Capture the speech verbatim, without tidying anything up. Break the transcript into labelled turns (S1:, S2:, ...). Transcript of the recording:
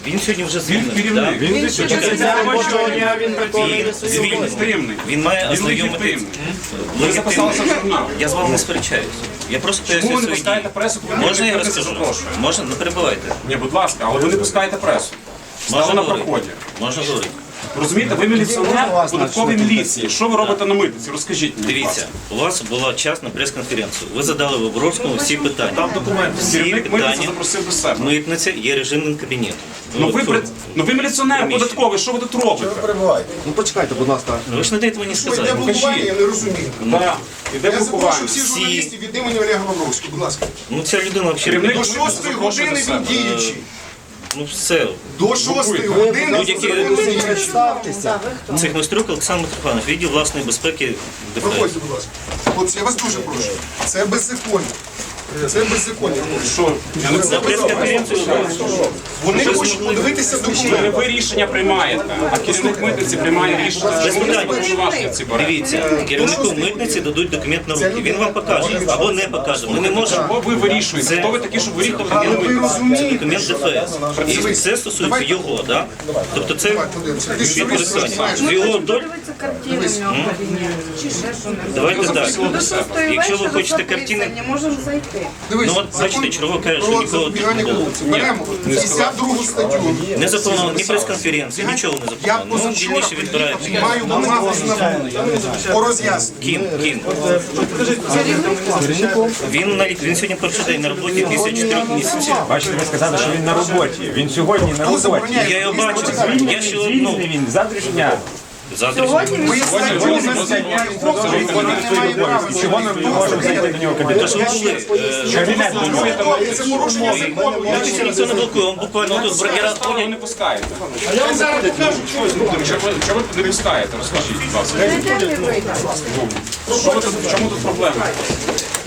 S1: Він сьогодні вже
S2: Він
S1: звільнений.
S2: керівник.
S1: да?
S2: Він
S3: Він
S2: звільнений.
S1: Він звільнений. Він має
S2: Він
S1: ознайомитися.
S2: легітимний. Ви записалися в журнал.
S1: Я з вами не сперечаюсь. Я просто
S2: Чому
S1: поясню
S2: ви не
S1: свої
S2: пускаєте
S1: дії.
S2: пресу, коли
S1: Можна я
S2: ніхто не
S1: розкажу?
S2: запрошує?
S1: Можна? Не перебивайте.
S2: Ні, будь ласка, але ви не пускаєте пресу. Стали
S1: Можна
S2: на
S1: говорити?
S2: проході.
S1: Можна говорити.
S2: Розумієте, ви міліціонер податкової міліції. Що ви робите на митниці? Розкажіть мені. будь
S1: Дивіться,
S2: ласка.
S1: у вас була час на прес-конференцію. Ви задали Виборовському всі питання.
S2: Там документи.
S1: Всі
S2: Керівник митниці
S1: питання.
S2: запросив до себе.
S1: Митниця є режимним кабінетом.
S2: Ну ви,
S1: От,
S2: пред- ну ви міліціонер
S1: приміщення.
S2: податковий, що ви тут робите?
S4: Ну почекайте, будь ласка.
S1: Ви ж не даєте мені
S4: Йде
S1: сказати.
S4: блокування, я не розумію.
S2: Так, іде
S4: Я запрошую
S2: блокування.
S4: всіх журналістів від імені Олега Лавровського, будь ласка.
S1: Ну ця людина взагалі.
S2: Керівник
S4: До шостої
S2: запрошує
S4: години
S2: до себе.
S4: він діючий.
S1: Ну все.
S4: До шостої години
S1: Будь-які
S4: він діючий.
S3: Представтеся.
S1: Цих Майструк Олександр Митрофанович, відділ власної безпеки ДФС.
S4: Проходьте, будь ласка. Хлопці, я вас дуже прошу. Це беззаконня. Це беззаконня.
S2: Що? Я не
S1: На прес-конференцію
S4: Вони хочуть подивитися
S2: Не
S4: документи.
S2: ви рішення приймаєте, а керівник митниці приймає рішення.
S1: Без питань.
S2: Повноваження ці бере.
S1: Дивіться, керівнику митниці дадуть документ на руки. Він вам покаже або не покаже. Ми не можемо.
S2: Бо ви вирішуєте.
S1: Це-
S2: Хто ви такі, щоб вирішувати
S4: Але
S2: керівник
S4: ви
S2: митниці?
S4: розумієте,
S1: Документ ДФС. І це стосується його, да? Тобто це
S4: подивимося. Ти що
S1: підписання.
S4: знаєш?
S1: З його доль.
S3: Подивитися картини в нього в кабінеті. Чи ще що не
S1: Давайте так.
S3: До шостої
S1: Якщо ви
S3: вечора
S1: хочете
S3: записані,
S1: картини,
S3: можемо зайти.
S4: Дивись,
S1: Ну, от бачите, Чорова каже, що
S4: про
S1: нікого тут
S4: запобігання
S1: не було.
S4: корупції. Беремо п'ятдесят другу статтю.
S1: Не заплановано ні прес-конференції, нічого не
S4: Я
S1: заплановано. Ну,
S4: позавчора
S1: дільніше відбирає.
S4: маю бумагу з НАБУ по роз'ясненню.
S1: Кін, кін. Він, на, він сьогодні перший день на роботі після чотирьох місяців.
S5: Бачите, ви сказали, що він на роботі. Він сьогодні на
S4: Хто
S5: роботі.
S4: забороняє?
S1: Я його бачу. Я ще одну.
S5: Звільнений він з завтрашнього дня.
S1: Завтра.
S3: Сьогодні він
S4: Ви статтю не
S5: Він не має права. Чого ми не можемо зайти до нього в кабінет?
S1: Тож ви були. е,
S5: Кабінет до нього.
S4: Це порушення закону.
S1: Я тут ніхто не блокує, він буквально тут бракера
S2: Чого ви не пускаєте? А я вам зараз покажу, що ви зробите. Чого ви не пускаєте? Розкажіть, будь ласка.
S3: прийде і вийде.
S2: Що ви тут, в чому тут проблема?